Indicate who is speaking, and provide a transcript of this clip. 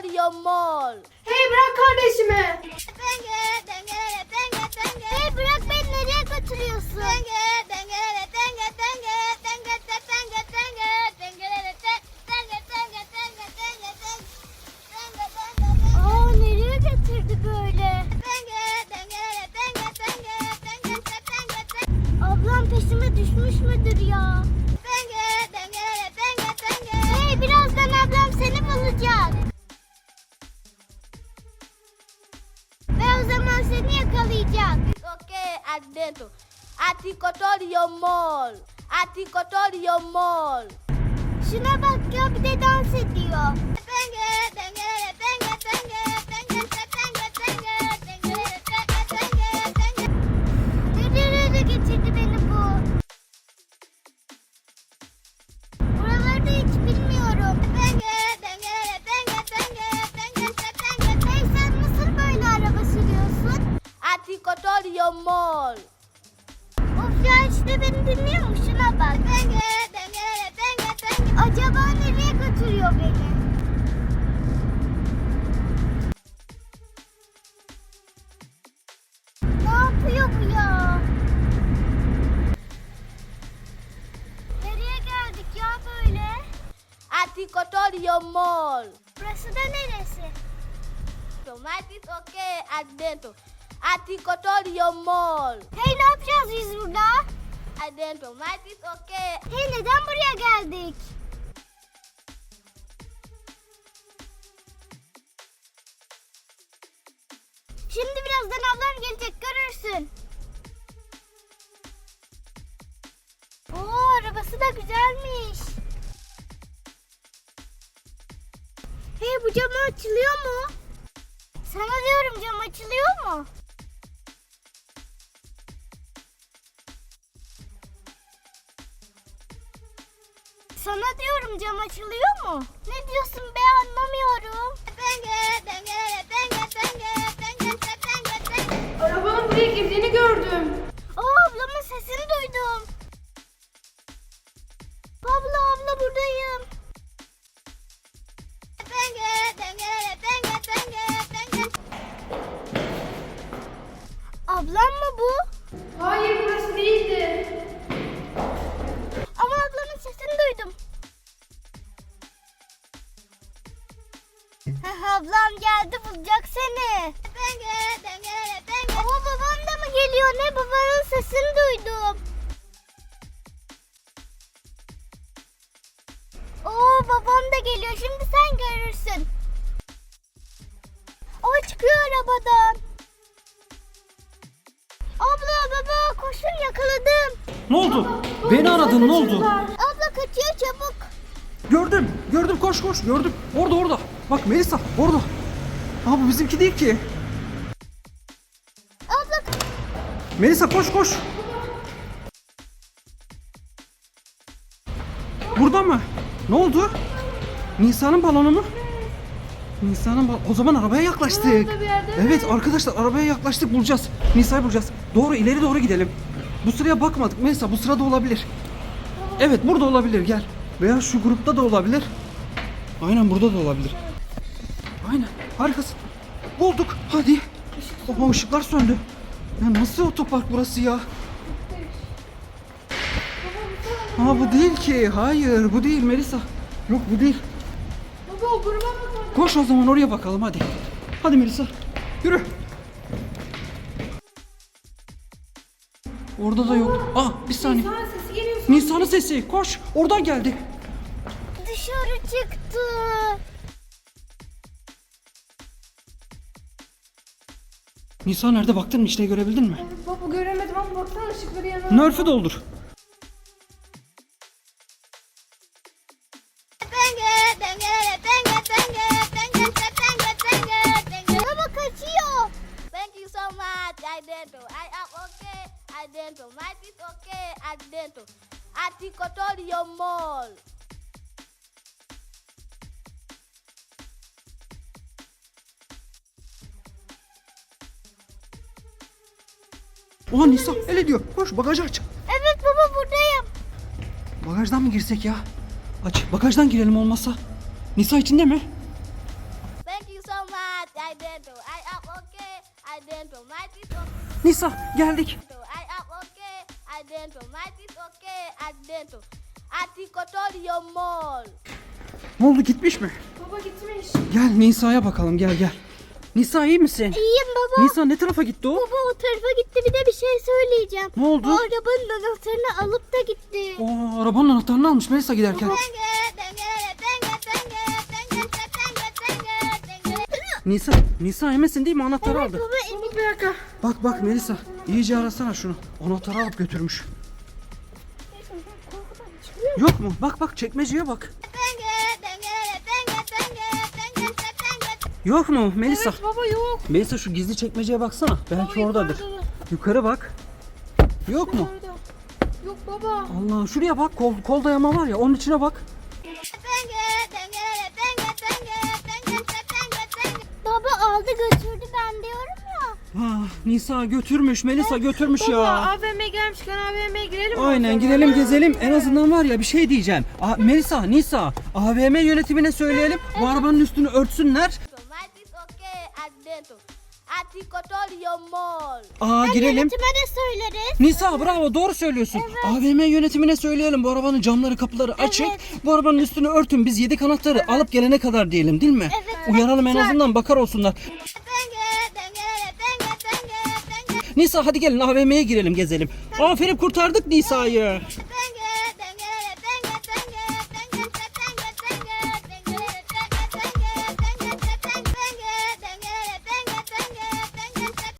Speaker 1: your mall.
Speaker 2: Hey bırak kardeşimi.
Speaker 3: Hey bırak beni, nereye götürüyorsun? Aa, nereye getirdi böyle? Ablam peşime düşmüş müdür ya? Hey, birazdan ablam seni bulacak. Ve o zaman seni yakalayacak.
Speaker 1: Okay, adentro. Atikotorio mall. Atikotorio mall.
Speaker 3: Şuna bak ya, bir de dans ediyor. Nereye getirdi beni bu? Buraları da hiç bilmiyorum. Hey, sen nasıl böyle araba sürüyorsun?
Speaker 1: Atikotorio mall.
Speaker 3: Of ya, işte beni dinliyor mu? Şuna bak. Acaba nereye götürüyor beni? Ne yapıyor bu ya? Nereye geldik ya böyle?
Speaker 1: Atikotorio mall.
Speaker 3: Burası da neresi?
Speaker 1: Tomatis okay, adentro. Atikotorio mall.
Speaker 3: Hey, ne yapacağız biz burada?
Speaker 1: Adentro, tomatis okay.
Speaker 3: Hey, neden buraya geldik? Şimdi birazdan ablam gelecek, görürsün. Oo, arabası da güzelmiş. Hey, bu cam açılıyor mu? Sana diyorum, cam açılıyor mu? Sana diyorum, cam açılıyor mu? Ne diyorsun be, anlamıyorum.
Speaker 2: Arabanın buraya girdiğini gördüm.
Speaker 3: Aa, ablamın sesini duydum. Abla buradayım. Ablam mı bu?
Speaker 2: Hayır burası değildi.
Speaker 3: Ama ablamın sesini duydum. Ablam geldi, bulacak seni. Ama babam da mı geliyor ne? Babanın sesini duydum. Oo, babam da geliyor. Şimdi sen görürsün. O çıkıyor arabadan. Abla, baba, koşun, yakaladım.
Speaker 4: Ne oldu? Beni aradın, ne oldu?
Speaker 3: Abla kaçıyor, çabuk.
Speaker 4: Gördüm, koş gördüm. Orada. Bak Melisa, orada. Aa, bu bizimki değil ki.
Speaker 3: Abla,
Speaker 4: Melisa koş. Burada mı? Ne oldu? Nisa'nın balonu mu? O zaman arabaya yaklaştık.
Speaker 2: Orada bir yerde mi?
Speaker 4: Evet arkadaşlar, arabaya yaklaştık, bulacağız. Nisa'yı bulacağız. İleri doğru gidelim. Bu sıraya bakmadık. Melisa, bu sırada olabilir. Evet, burada olabilir, gel. Veya şu grupta da olabilir. Aynen, burada da olabilir. Aynen, harikasın. Bulduk, hadi. Oha, ışıklar söndü. Ya nasıl otopark burası ya? Aa, bu değil ki. Hayır, bu değil Melisa. Yok, bu değil.
Speaker 2: Baba, o gruba bakalım.
Speaker 4: Koş o zaman, oraya bakalım hadi. Hadi Melisa, yürü. Orada da yok. Bir saniye.
Speaker 2: Sana sesi geliyor.
Speaker 4: Nisa'nın sesi. Koş. Oradan geldi.
Speaker 3: dışarı çıktı.
Speaker 4: Nisa nerede, baktın mı, içine görebildin mi?
Speaker 2: Baba göremedim ama baksana ışıkları yanıyor.
Speaker 4: Nerf'ü doldur.
Speaker 3: Baba kaçıyor.
Speaker 1: Thank you so much, adentro. I am okay, adentro. Tomatis okay, adentro. Atikotorio mall.
Speaker 4: Oha, Nisa el ediyor. Koş, bagajı aç.
Speaker 3: Evet baba, buradayım.
Speaker 4: Bagajdan mı girsek ya? Aç, bagajdan girelim olmazsa. Nisa içinde mi?
Speaker 1: Thank
Speaker 4: Nisa geldik.
Speaker 1: I am okay. I dentro. My teeth okay. I dentro. Atikotorio mall.
Speaker 4: Ne oldu, gitmiş mi?
Speaker 2: Baba gitmiş.
Speaker 4: Gel Nisa'ya bakalım, gel gel. Nisa iyi misin?
Speaker 3: İyiyim baba.
Speaker 4: Nisa ne tarafa gitti o?
Speaker 3: Baba o tarafa gitti, bir de bir şey söyleyeceğim.
Speaker 4: Ne oldu?
Speaker 3: O arabanın anahtarını alıp da gitti.
Speaker 4: Aa, arabanın anahtarını almış Melisa giderken. Nisa eminsin değil mi, anahtarı aldı.
Speaker 3: Baba emin.
Speaker 2: Bir dakika.
Speaker 4: Bak Melisa, iyice arasana şunu. Anahtarı alıp götürmüş. Yok mu? Bak çekmeceye bak. Yok mu Melisa?
Speaker 2: Evet baba yok.
Speaker 4: Melisa şu gizli çekmeceye baksana. Belki
Speaker 2: Baba,
Speaker 4: oradadır.
Speaker 2: yukarıda.
Speaker 4: Yukarı bak. Yok mu?
Speaker 2: Nerede? Yok baba.
Speaker 4: Allah, şuraya bak, kol dayama var ya, onun içine bak.
Speaker 3: Baba aldı götürdü ben diyorum ya.
Speaker 4: Nisa götürmüş, Melisa götürmüş
Speaker 2: Baba
Speaker 4: ya.
Speaker 2: AVM gelmişken AVM'ye girelim mi?
Speaker 4: Aynen, girelim gezelim. En azından var ya, bir şey diyeceğim. Melisa, Nisa, AVM yönetimine söyleyelim. Bu arabanın üstünü örtsünler.
Speaker 1: My teeth okay. I dentro. Atikotorio mall.
Speaker 4: Girelim.
Speaker 3: Yönetime de söyleriz.
Speaker 4: Nisa bravo, doğru söylüyorsun. AVM yönetimine söyleyelim, bu arabanın camları kapıları açık. Bu arabanın üstünü örtün, biz 7 anahtarı alıp gelene kadar diyelim, değil mi?
Speaker 3: Evet.
Speaker 4: Uyaralım, en azından bakar olsunlar. Nisa hadi gelin AVM'ye girelim gezelim. Aferin, kurtardık Nisa'yı.